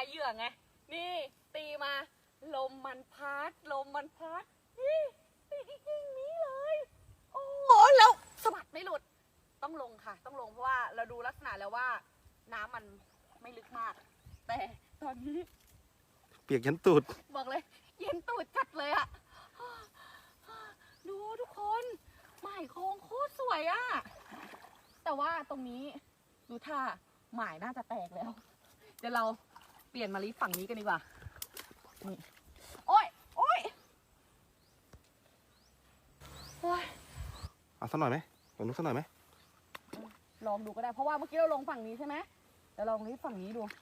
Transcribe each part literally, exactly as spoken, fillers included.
เหยื่อไงนี่ตีมาลมมันพัดลมมันพัดนี่ตีกิ่งนี้เลยโอ้โหแล้วสะบัดไม่หลุดต้องลงค่ะต้องลงเพราะว่าเราดูลักษณะแล้วว่าน้ำมันไม่ลึกมากแต่ตอนนี้เปียกยันตูดบอกเลยเย็นตูดจัดเลยอะดูทุกคนหมายโค้งโคตรสวยอะแต่ว่าตรงนี้ดูท่าหมายน่าจะแตกแล้วเดี๋ยวเราเปลี่ยนมาลิฝั่งนี้กันดีกว่านี่โอ้ยโอ้ยโอ้ยเอาสักหน่อยไหมลองดูสักหน่อยไหมลองดูก็ได้เพราะว่าเมื่อกี้เราลงฝั่งนี้ใช่ไหมเดี๋ยวลองลิฝั่งนี้ดู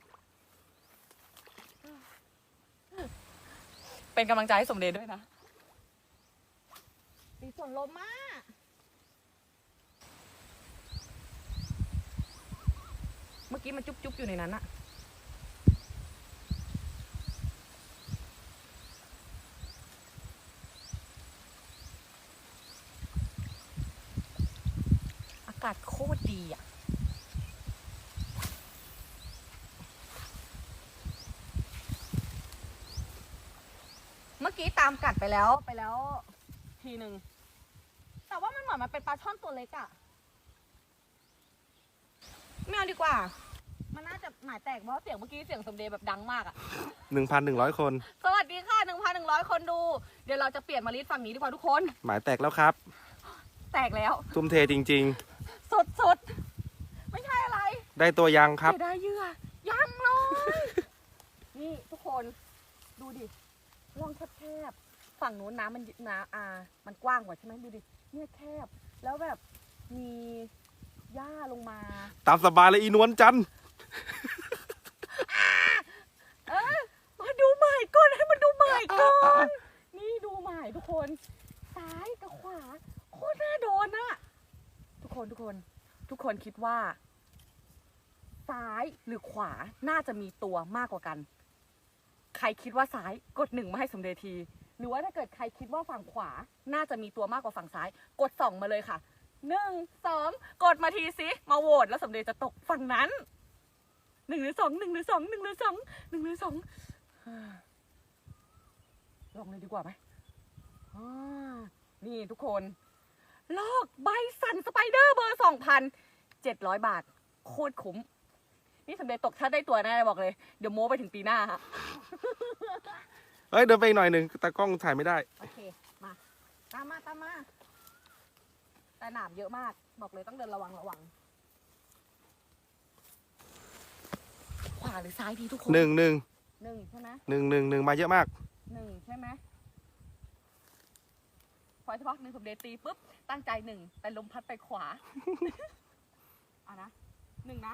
เป็นกำลังใจให้สมเด็จด้วยนะมีส่วนลมมากเมื่อกี้มันจุ๊บๆอยู่ในนั้นอะอากาศโคตรดีอะเมื่อกี้ตามกัดไปแล้วไปแล้วทีหนึ่งแต่ว่ามันเหมือนมันเป็นปลาช่อนตัวเล็กอะไม่เอาดีกว่ามันน่าจะหมายแตกเพราะเสียงเมื่อกี้เสียงสมเด็จแบบดังมากอะหนึ่งพันหนึ่งร้อยคนสวัสดีค่ะหนึ่งพันหนึ่งร้อยคนดูเดี๋ยวเราจะเปลี่ยนมาลิดฝั่งนี้ดีกว่าทุกคนหมายแตกแล้วครับแตกแล้วทุ่มเทจริงๆสุดสุดไม่ใช่อะไรได้ตัวยังครับได้เหยื่อยังเลยนี่ทุกคนดูดิร่องแคบๆฝั่งนู้นน้ำมันน้ำอ่ามันกว้างกว่าใช่ไหมดูดิเนี่ยแคบแล้วแบบมีหญ้าลงมาตามสบายเลยอีนวลจันทร์เออมาดูใหม่ก่อนให้มันดูใหม่ก่อนนี่ดูใหม่ทุกคนซ้ายกับขวาโคตรน่าโดนอะทุกคนทุกคนทุกคนคิดว่าซ้ายหรือขวาน่าจะมีตัวมากกว่ากันใครคิดว่าซ้ายกดหนึ่งมาให้สมเด็จทีหรือว่าถ้าเกิดใครคิดว่าฝั่งขวาน่าจะมีตัวมากกว่าฝั่งซ้ายกดสองมาเลยค่ะหนึ่งสองกดมาทีสิมาโหวตแล้วสมเด็จจะตกฝั่งนั้นหนึ่งหรือสองหนึ่งหรือสองหนึ่งหรือสองหนึ่งหรือสองลองเลยดีกว่าไหมนี่ทุกคนลอกใบสันสไปเดอร์เบอร์สองพันเจ็ดร้อยบาทโคตรคุ้มนี่สมเด็จตกถ้าได้ตัวแน่บอกเลยเดี๋ยวโม้ไปถึงปีหน้าฮะเฮ้ยเดินไปอีกหน่อยหนึ่งตากล้องถ่ายไม่ได้โอเคมาตามมาตามมาแต่หนามเยอะมากบอกเลยต้องเดินระวังระวังขวาหรือซ้ายดีทุกคนหนึ่งหนึ่งหนึ่งใช่ไหมหนึ่งหนึ่งหนึ่งมาเยอะมากหนึ่งใช่ไหมพอเฉพาะหนึ่งสมเด็จตีปุ๊บตั้งใจหนึ่งแต่ลมพัดไปขวาเอานะหนึ่งนะ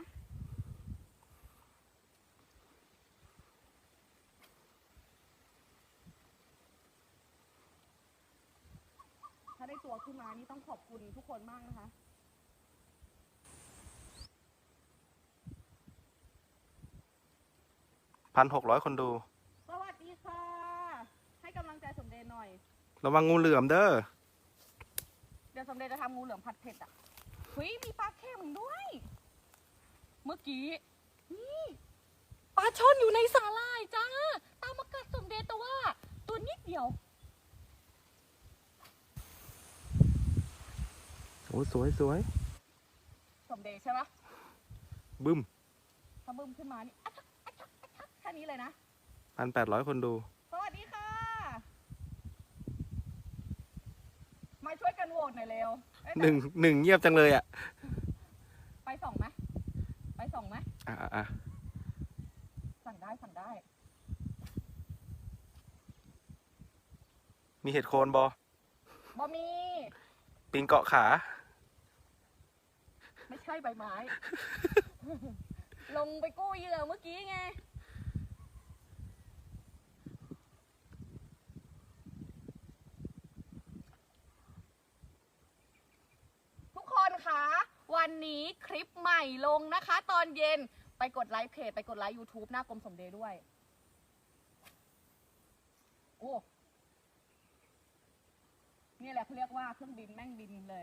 ถ้าได้ตัวขึ้นมานี่ต้องขอบคุณทุกคนมากนะคะพันหกร้อยคนดูสวัสดีค่ะให้กำลังใจสมเด็จหน่อยระวังงูเหลือมเด้อเดี๋ยวสมเด็จจะทำงูเหลือมผัดเผ็ดอ่ะเฮ้ยมีปลาเค็มด้วยเมื่อกี้นี่ปลาช่อนอยู่ในสาหร่ายจ้าตามมากัดสมเด็จแต่ว่าตัวนิดเดียวโอ้สวยสวยสมเด็จใช่ไหมบึ้มถ้าบึ้มขึ้นมานี่อัชักอัชักอัชักแค่นี้เลยนะพันแปดร้อยคนดูสวัสดีค่ะมาช่วยกันโหวตหน่อยเร็วหนึ่งหนึ่งเงียบจังเลยอ่ะไปส่องไหมไปส่องไหมอ่ะอ่ะสั่งได้สั่งได้มีเห็ดโคนบบอมีปิงเกาะขาไม่ใช่ใบไม้ ลงไปกู้เหยื่อเมื่อกี้ไงทุกคนคะวันนี้คลิปใหม่ลงนะคะตอนเย็นไปกดไลค์เพจไปกดไลค์ YouTube หน้ากรมสมเด็จด้วยโอ้นี่แหละเขาเรียกว่าเครื่องบินแม่งบินเลย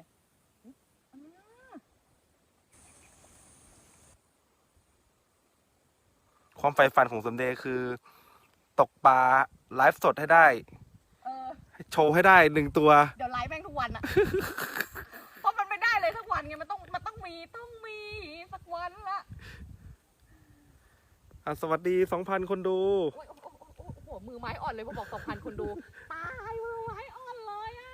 ความใฝ่ฝันของสมเด็จคือ ตกปลาไลฟ์สดให้ได้เออโชว์ให้ได้หนึ่งตัวเดี๋ยวไลฟ์แม่งทุกวันอะ เพราะมันไม่ได้เลยทุกวันไงมันต้องมันต้องมีต้องมีสักวันละอ่ะสวัสดีสองพันคนดูโอ้ยโอ้โหโอ้โหโอ้โหมือไม้อ่อนเลยพอบอกสองพันคนดู ตายมือไม้อ่อนเลยอะ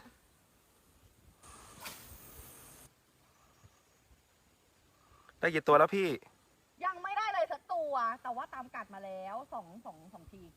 ได้กี่ตัวแล้วพี่ยังไม่ได้เลยสักตัว แต่ว่าตามกัดมาแล้วสองสองสองที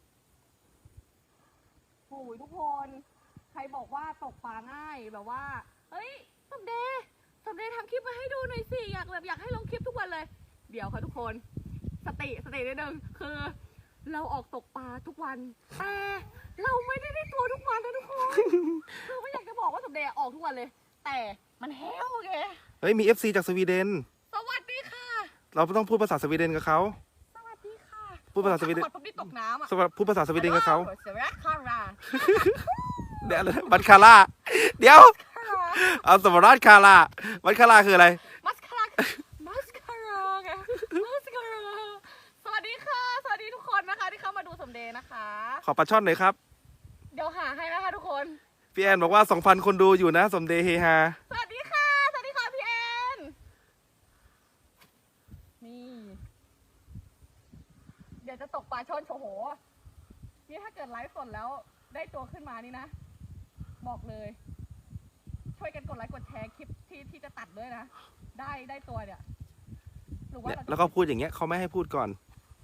โอ้ยทุกคน ใครบอกว่าตกปลาง่ายแบบว่า เฮ้ยสมเด็จสมเด็จทำคลิปมาให้ดูหน่อยสิอยากแบบอยากให้ลงคลิปทุกวันเลย เดี๋ยวค่ะทุกคน สติสตินิดนึงคือ เราออกตกปลาทุกวัน แต่เราไม่ได้ได้ตัวทุกวันนะทุกคน คือไม่อยากจะบอกว่าสมเด็จออกทุกวันเลย แต่มันแห้วไงเฮ้ยมี เอฟ ซี จากสวีเดนสวัสดีค่ะเราต้องพูดภาษาสวีเดนกับเขาสวัสดีค่ะพูดภาษาสวีเดนผมนี่ตกน้ำอ่ะสวัสดีพูดภาษาสวีเดนกับเขาสวัสดีค่ะราเดี๋ยวอะไรนะบัตคาร่า เดี๋ยว เอาสมราชคาร่าบัตคาร่าคืออะไรมัสคาร่ามัสคาร่าไงมัสคาร่าสวัสดีค่ะ สวัสดีทุกคนนะคะที่เข้ามาดูสมเด็จนะคะขอปลาช่อนหน่อยครับเดี๋ยวหาให้นะคะทุกคนพี่แอนบอกว่าสองพันคนดูอยู่นะ สมเด็จเฮฮาสวัสดีค่ะ สวัสดีค่ะพี่แอน นี่ เดี๋ยวจะตกปลาช่อนโชโห นี่ถ้าเกิดไลฟ์สดแล้วได้ตัวขึ้นมานี่นะ บอกเลย ช่วยกันกดไลค์กดแชร์คลิปที่ที่จะตัดด้วยนะ ได้ได้ตัวเนี่ย หรือว่าเนี่ยเราจะแล้วก็พูดอย่างเงี้ยเขาไม่ให้พูดก่อน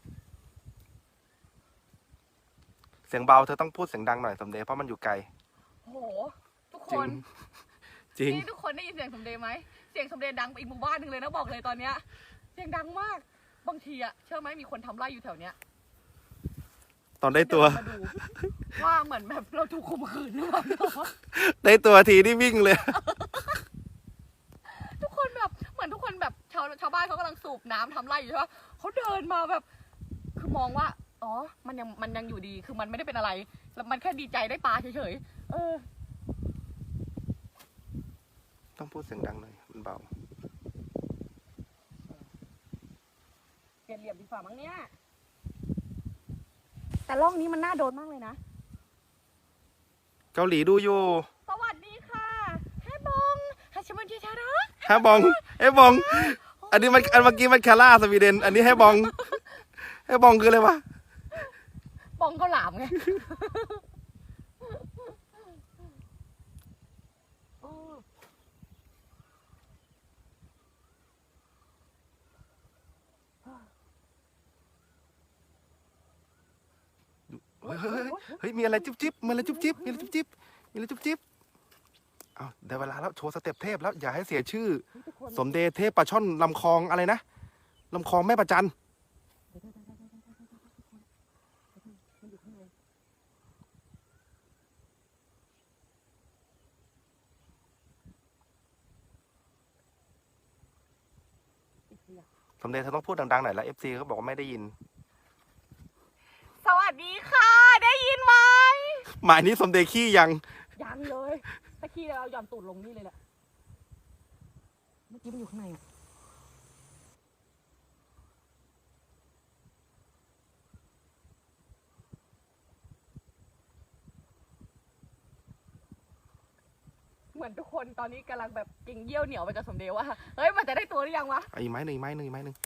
เสียงเบาเธอต้องพูดเสียงดังหน่อยสมเด็จเพราะมันอยู่ไกลโห ทุกจคริงนจริงนี่ทุกคนได้ยินเสียงสมเด็จไหม เสียงสมเด็จดังไปอีกหมู่บ้านหนึ่งเลยนะบอกเลยตอนเนี้ย เสียงดังมาก บางทีอะเชื่อไหมมีคนทำไร่อยู่แถวเนี้ยตอนได้ตัวเดินมาดูว่าเหมือนแบบเราถูกข่มขืนหรือเปล่าได้ตัวทีนี่วิ่งเลยทุกคนแบบเหมือนทุกคนแบบชาวชาวบ้านเขากำลังสูบน้ำทำไร่อยู่ใช่ปะเขาเดินมาแบบ คือมองว่า อ๋อ มันยังมันยังอยู่ดี คือมันไม่ได้เป็นอะไร แล้วมันแค่ดีใจได้ปลาเฉยๆ เออต้องพูดเสียงดังหน่อยมันเบาเปลี่ยนเหลี่ยมดีกว่ามั้งเนี่ย แต่ร่องนี้มันน่าโดนมากเลยนะเกาหลีดูอยู่สวัสดีค่ะแฮบองฮัชมันเจชาระฮะบองเอ้บอง อันนี้มันอันเมื่อกี้มันคาร่าสวีเดน อันนี้ให้บองให้บองคืออะไรวะบองก็หลามไงเฮ้ยเฮ้ยเฮ้ยเฮ้ยมีอะไรจุ๊บจิ๊บมีอะไรจุ๊บจิ๊บมีอะไรจุ๊บจิ๊บมีอะไรจุ๊บจิ๊บเอาได้เวลาแล้วโชว์สเต็ปเทพแล้วอย่าให้เสียชื่อ สมเด็จเทพปลาช่อนลำคลองอะไรนะลำคลองแม่ประจันสมเด็จเธอต้องพูดดังๆหน่อยแล้วเอฟซีเขาบอกว่าไม่ได้ยินสวัสดีค่ะ ได้ยินไหมหมายนี้สมเด็จขี้ยังยังเลยถ้าขี้เราหย่อนตูดลงนี่เลยแหละ เมื่อกี้มันอยู่ข้างในอะเหมือนทุกคนตอนนี้กำลังแบบเก่งเยี่ยวเหนียวไปกับสมเด็จว่า เฮ้ย มันจะได้ตัวหรือยังวะไอ้ไม้หนึ่งไม้หนึ่งไม้หนึ่ง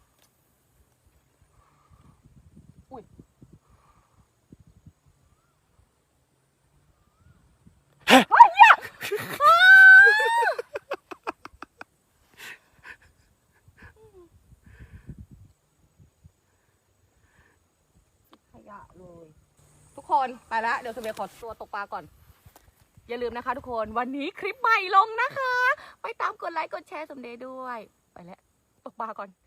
อุ้ย เฮ้ยเหี้ยอ้าขยะเลย ทุกคนไปแล้วเดี๋ยวสมเด็จขอตัวตกปลาก่อน อย่าลืมนะคะทุกคนวันนี้คลิปใหม่ลงนะคะ ไปตามกดไลค์กดแชร์สมเด็จด้วย ไปแล้วตกปลาก่อน